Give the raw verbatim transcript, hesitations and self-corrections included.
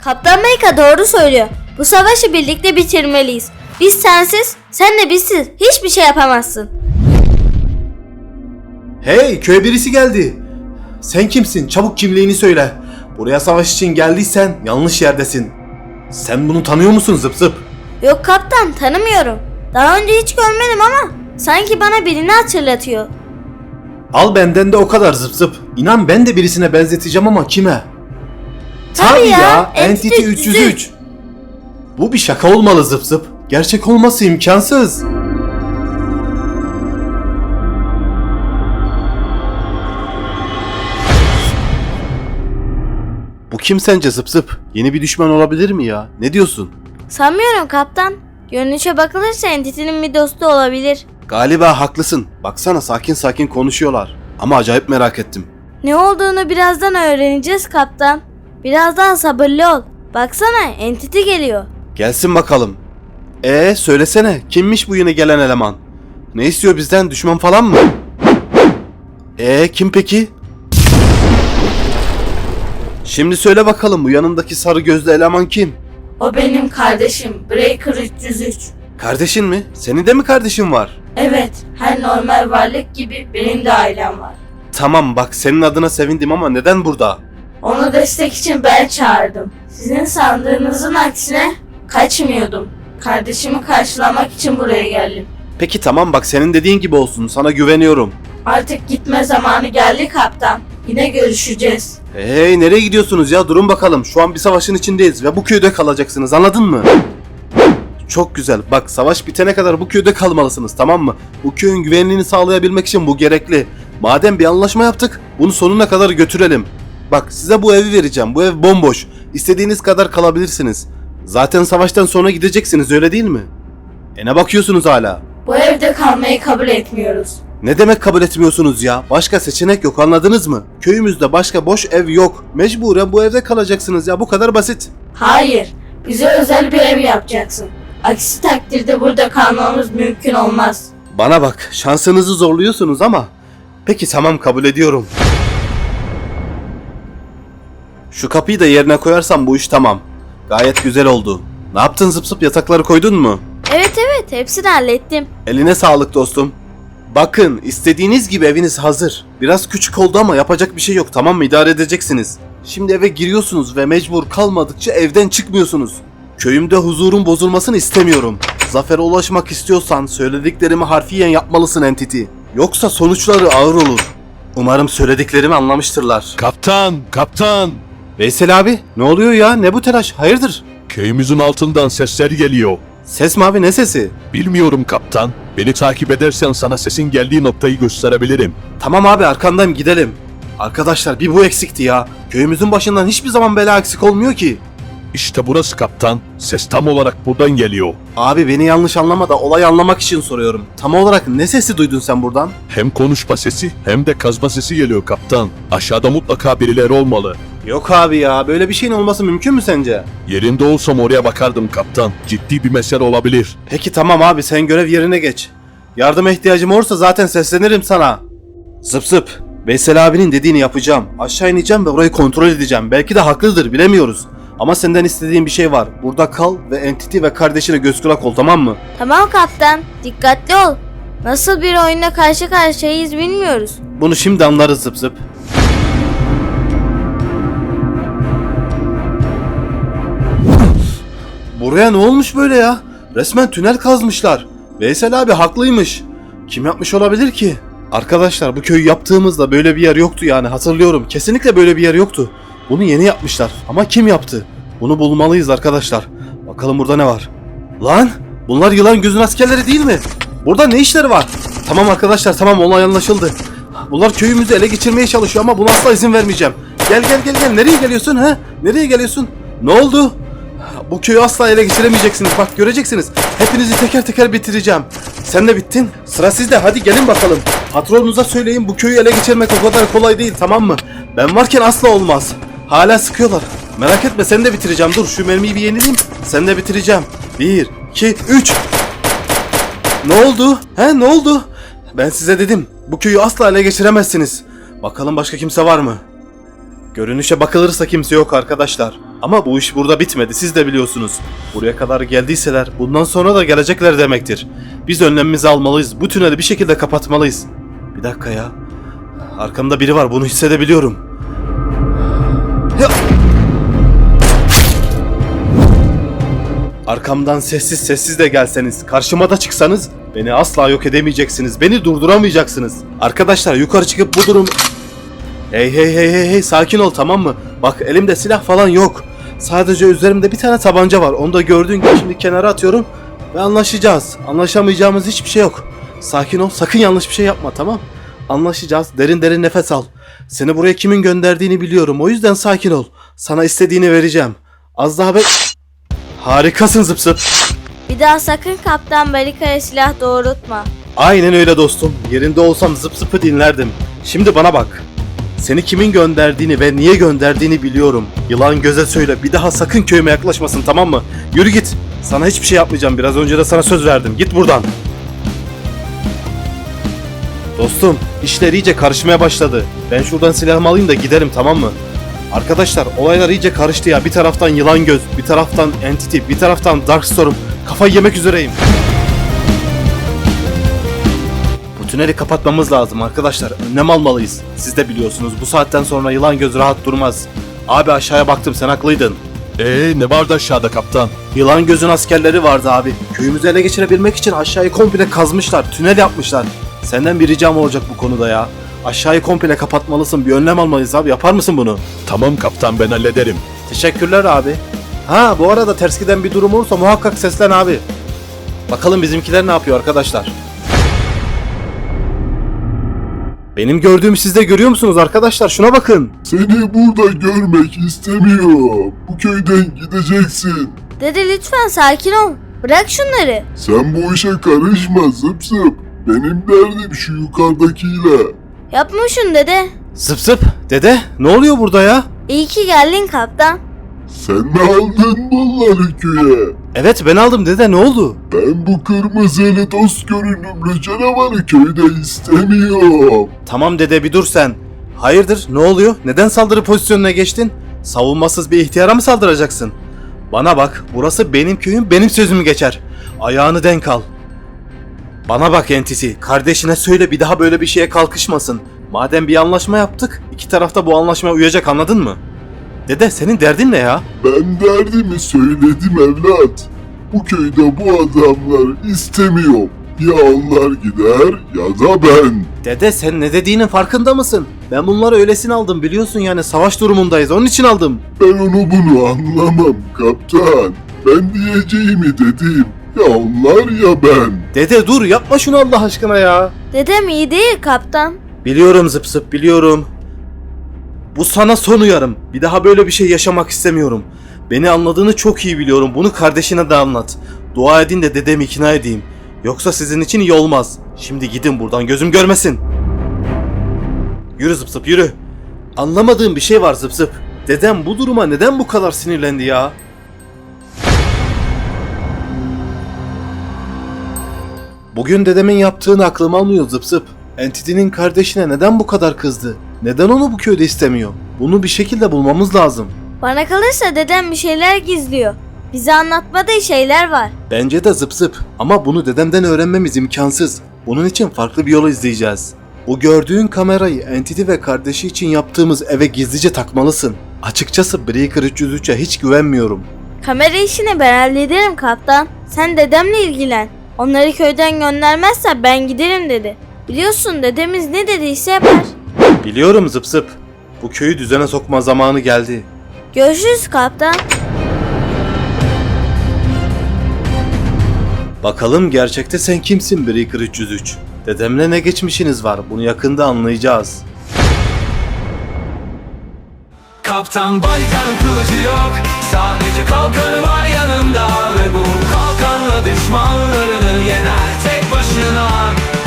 Kaptan Amerika doğru söylüyor. Bu savaşı birlikte bitirmeliyiz. Biz sensiz, sen de bizsiz hiçbir şey yapamazsın. Hey, köye birisi geldi. Sen kimsin? Çabuk kimliğini söyle. Buraya savaş için geldiysen yanlış yerdesin. Sen bunu tanıyor musun Zıp Zıp? Yok kaptan, tanımıyorum. Daha önce hiç görmedim ama sanki bana birini hatırlatıyor. Al benden de o kadar Zıp Zıp. İnan ben de birisine benzeteceğim ama kime? Tabii ya, Entity üç yüz üç. Bu bir şaka olmalı Zıp Zıp. Gerçek olması imkansız. Bu kim sence Zıp Zıp? Yeni bir düşman olabilir mi ya? Ne diyorsun? Sanmıyorum kaptan. Görünüşe bakılırsa Entity'nin bir dostu olabilir. Galiba haklısın. Baksana sakin sakin konuşuyorlar. Ama acayip merak ettim. Ne olduğunu birazdan öğreneceğiz kaptan. Biraz daha sabırlı ol. Baksana Entity geliyor. Gelsin bakalım. Ee söylesene kimmiş bu yeni gelen eleman? Ne istiyor bizden, düşman falan mı? Ee kim peki? Şimdi söyle bakalım bu yanındaki sarı gözlü eleman kim? O benim kardeşim Breaker üç yüz üç. Kardeşin mi? Senin de mi kardeşin var? Evet, her normal varlık gibi benim de ailem var. Tamam bak senin adına sevindim ama neden burada? Onu destek için ben çağırdım. Sizin sandığınızın aksine kaçmıyordum. Kardeşimi karşılamak için buraya geldim. Peki tamam bak senin dediğin gibi olsun, sana güveniyorum. Artık gitme zamanı geldi kaptan. Yine görüşeceğiz. Hey nereye gidiyorsunuz ya, durun bakalım, şu an bir savaşın içindeyiz ve bu köyde kalacaksınız, anladın mı? Çok güzel, bak savaş bitene kadar bu köyde kalmalısınız, tamam mı? Bu köyün güvenliğini sağlayabilmek için bu gerekli. Madem bir anlaşma yaptık bunu sonuna kadar götürelim. Bak size bu evi vereceğim, bu ev bomboş, istediğiniz kadar kalabilirsiniz. Zaten savaştan sonra gideceksiniz, öyle değil mi? E ne bakıyorsunuz hala? Bu evde kalmayı kabul etmiyoruz. Ne demek kabul etmiyorsunuz ya? Başka seçenek yok, anladınız mı? Köyümüzde başka boş ev yok. Mecburen bu evde kalacaksınız ya, bu kadar basit. Hayır, bize özel bir ev yapacaksın. Aksi takdirde burada kalmamız mümkün olmaz. Bana bak, şansınızı zorluyorsunuz ama. Peki tamam, kabul ediyorum. Şu kapıyı da yerine koyarsam bu iş tamam. Gayet güzel oldu. Ne yaptın Zıp Zıp, yatakları koydun mu? Evet evet, hepsini hallettim. Eline sağlık dostum. Bakın istediğiniz gibi eviniz hazır. Biraz küçük oldu ama yapacak bir şey yok, tamam mı? İdare edeceksiniz. Şimdi eve giriyorsunuz ve mecbur kalmadıkça evden çıkmıyorsunuz. Köyümde huzurun bozulmasını istemiyorum. Zafere ulaşmak istiyorsan söylediklerimi harfiyen yapmalısın Entity. Yoksa sonuçları ağır olur. Umarım söylediklerimi anlamıştırlar. Kaptan, kaptan. Veysel abi ne oluyor ya, ne bu telaş, hayırdır? Köyümüzün altından sesler geliyor. Ses mi abi, ne sesi? Bilmiyorum kaptan. Beni takip edersen sana sesin geldiği noktayı gösterebilirim. Tamam abi, arkandayım, gidelim. Arkadaşlar bir bu eksikti ya. Köyümüzün başından hiçbir zaman bela eksik olmuyor ki. İşte burası kaptan. Ses tam olarak buradan geliyor. Abi beni yanlış anlama da olayı anlamak için soruyorum. Tam olarak ne sesi duydun sen buradan? Hem konuşma sesi hem de kazma sesi geliyor kaptan. Aşağıda mutlaka birileri olmalı. Yok abi ya, böyle bir şeyin olması mümkün mü sence? Yerinde olsam oraya bakardım kaptan. Ciddi bir mesele olabilir. Peki tamam abi, sen görev yerine geç. Yardıma ihtiyacım olursa zaten seslenirim sana. Zıp zıp. Veysel abinin dediğini yapacağım. Aşağı ineceğim ve orayı kontrol edeceğim. Belki de haklıdır, bilemiyoruz. Ama senden istediğim bir şey var. Burada kal ve Entity ve kardeşine göz kulak ol, tamam mı? Tamam kaptan, dikkatli ol. Nasıl bir oyuna karşı karşıyayız bilmiyoruz. Bunu şimdi anlarız Zıp zıp. Buraya ne olmuş böyle ya? Resmen tünel kazmışlar. Veysel abi haklıymış. Kim yapmış olabilir ki? Arkadaşlar bu köyü yaptığımızda böyle bir yer yoktu yani, hatırlıyorum. Kesinlikle böyle bir yer yoktu. Bunu yeni yapmışlar. Ama kim yaptı? Bunu bulmalıyız arkadaşlar. Bakalım burada ne var? Lan! Bunlar yılan gözün askerleri değil mi? Burada ne işleri var? Tamam arkadaşlar, tamam, olay anlaşıldı. Bunlar köyümüzü ele geçirmeye çalışıyor ama buna asla izin vermeyeceğim. Gel gel gel gel. Nereye geliyorsun ha? Nereye geliyorsun? Ne oldu? Bu köyü asla ele geçiremeyeceksiniz. Bak göreceksiniz. Hepinizi teker teker bitireceğim. Sen de bittin. Sıra sizde. Hadi gelin bakalım. Patronunuza söyleyin, bu köyü ele geçirmek o kadar kolay değil, tamam mı? Ben varken asla olmaz. Hala sıkıyorlar. Merak etme, seni de bitireceğim. Dur şu mermiyi bir yenileyim. Seni de bitireceğim. Bir, iki, üç. Ne oldu? He ne oldu? Ben size dedim. Bu köyü asla ele geçiremezsiniz. Bakalım başka kimse var mı? Görünüşe bakılırsa kimse yok arkadaşlar. Ama bu iş burada bitmedi, siz de biliyorsunuz. Buraya kadar geldiyseler bundan sonra da gelecekler demektir. Biz önlemimizi almalıyız. Bu tüneli bir şekilde kapatmalıyız. Bir dakika ya. Arkamda biri var, bunu hissedebiliyorum. Ya! Arkamdan sessiz sessiz de gelseniz, karşıma da çıksanız beni asla yok edemeyeceksiniz. Beni durduramayacaksınız. Arkadaşlar yukarı çıkıp bu durum... Hey hey hey hey hey, sakin ol, tamam mı? Bak elimde silah falan yok. Sadece üzerimde bir tane tabanca var. Onu da gördüğün gibi şimdi kenara atıyorum ve anlaşacağız. Anlaşamayacağımız hiçbir şey yok. Sakin ol, sakın yanlış bir şey yapma, tamam? Anlaşacağız. Derin derin nefes al. Seni buraya kimin gönderdiğini biliyorum. O yüzden sakin ol. Sana istediğini vereceğim. Az daha be... Harikasın Zıp Zıp. Bir daha sakın Kaptan Balika'ya silah doğrultma. Aynen öyle dostum. Yerinde olsam Zıp Zıp'ı dinlerdim. Şimdi bana bak. Seni kimin gönderdiğini ve niye gönderdiğini biliyorum. Yılan göze söyle, bir daha sakın köyüme yaklaşmasın, tamam mı? Yürü git. Sana hiçbir şey yapmayacağım. Biraz önce de sana söz verdim. Git buradan. Dostum, işler iyice karışmaya başladı. Ben şuradan silahımı alayım da giderim, tamam mı? Arkadaşlar, olaylar iyice karıştı ya. Bir taraftan yılan göz, bir taraftan entity, bir taraftan Darkstorm. Kafayı yemek üzereyim. Bu tüneli kapatmamız lazım arkadaşlar. Önlem almalıyız. Siz de biliyorsunuz, bu saatten sonra yılan göz rahat durmaz. Abi aşağıya baktım, sen haklıydın. Ee ne vardı aşağıda kaptan? Yılan gözün askerleri vardı abi. Köyümüzü ele geçirebilmek için aşağıyı komple kazmışlar. Tünel yapmışlar. Senden bir ricam olacak bu konuda ya. Aşağıyı komple kapatmalısın. Bir önlem almalıyız abi. Yapar mısın bunu? Tamam kaptan, ben hallederim. Teşekkürler abi. Ha bu arada ters giden bir durum olursa muhakkak seslen abi. Bakalım bizimkiler ne yapıyor arkadaşlar. Benim gördüğümü siz de görüyor musunuz arkadaşlar? Şuna bakın. Seni burada görmek istemiyorum. Bu köyden gideceksin. Dede lütfen sakin ol. Bırak şunları. Sen bu işe karışma Zıp Zıp. Benim derdim şu yukarıdakiyle. Yapma şunu dede. Zıp zıp. Dede ne oluyor burada ya? İyi ki geldin kaptan. Sen mi aldın bunları köye? Evet ben aldım dede, ne oldu? Ben bu kırmızılı dost görünümlü canavarı köyde istemiyorum. Tamam dede bir dur sen. Hayırdır ne oluyor? Neden saldırı pozisyonuna geçtin? Savunmasız bir ihtiyara mı saldıracaksın? Bana bak, burası benim köyüm, benim sözüm geçer. Ayağını denk al. Bana bak Entity, kardeşine söyle bir daha böyle bir şeye kalkışmasın. Madem bir anlaşma yaptık, iki taraf da bu anlaşmaya uyacak, anladın mı? Dede senin derdin ne ya? Ben derdimi söyledim evlat. Bu köyde bu adamlar istemiyorum. Ya onlar gider ya da ben. Dede sen ne dediğinin farkında mısın? Ben bunları öylesine aldım, biliyorsun yani savaş durumundayız, onun için aldım. Ben onu bunu anlamam kaptan. Ben diyeceğimi dedim. Ya onlar ya ben. Dede dur yapma şunu Allah aşkına ya. Dedem iyi değil kaptan. Biliyorum Zıp Zıp, biliyorum. Bu sana son uyarım. Bir daha böyle bir şey yaşamak istemiyorum. Beni anladığını çok iyi biliyorum. Bunu kardeşine de anlat. Dua edin de dedemi ikna edeyim. Yoksa sizin için iyi olmaz. Şimdi gidin buradan, gözüm görmesin. Yürü Zıp Zıp yürü. Anlamadığım bir şey var Zıp Zıp. Dedem bu duruma neden bu kadar sinirlendi ya? Bugün dedemin yaptığını aklım almıyor Zıp Zıp. Entity'nin kardeşine neden bu kadar kızdı? Neden onu bu köyde istemiyor? Bunu bir şekilde bulmamız lazım. Bana kalırsa dedem bir şeyler gizliyor. Bize anlatmadığı şeyler var. Bence de Zıp Zıp. Ama bunu dedemden öğrenmemiz imkansız. Bunun için farklı bir yol izleyeceğiz. Bu gördüğün kamerayı Entity ve kardeşi için yaptığımız eve gizlice takmalısın. Açıkçası Breaker üç yüz üçe hiç güvenmiyorum. Kamera işini ben hallederim kaptan. Sen dedemle ilgilen. Onları köyden göndermezse ben giderim dedi. Biliyorsun dedemiz ne dediyse yapar. Biliyorum Zıp Zıp. Bu köyü düzene sokma zamanı geldi. Görüşürüz kaptan. Bakalım gerçekte sen kimsin Breaker üç yüz üç? Dedemle ne geçmişiniz var? Bunu yakında anlayacağız. Kaptan Balika'nın kılıcı yok. Sadece kalkanı var yanımda. Ve bu kalkanla düşmanlarını yener tek başına.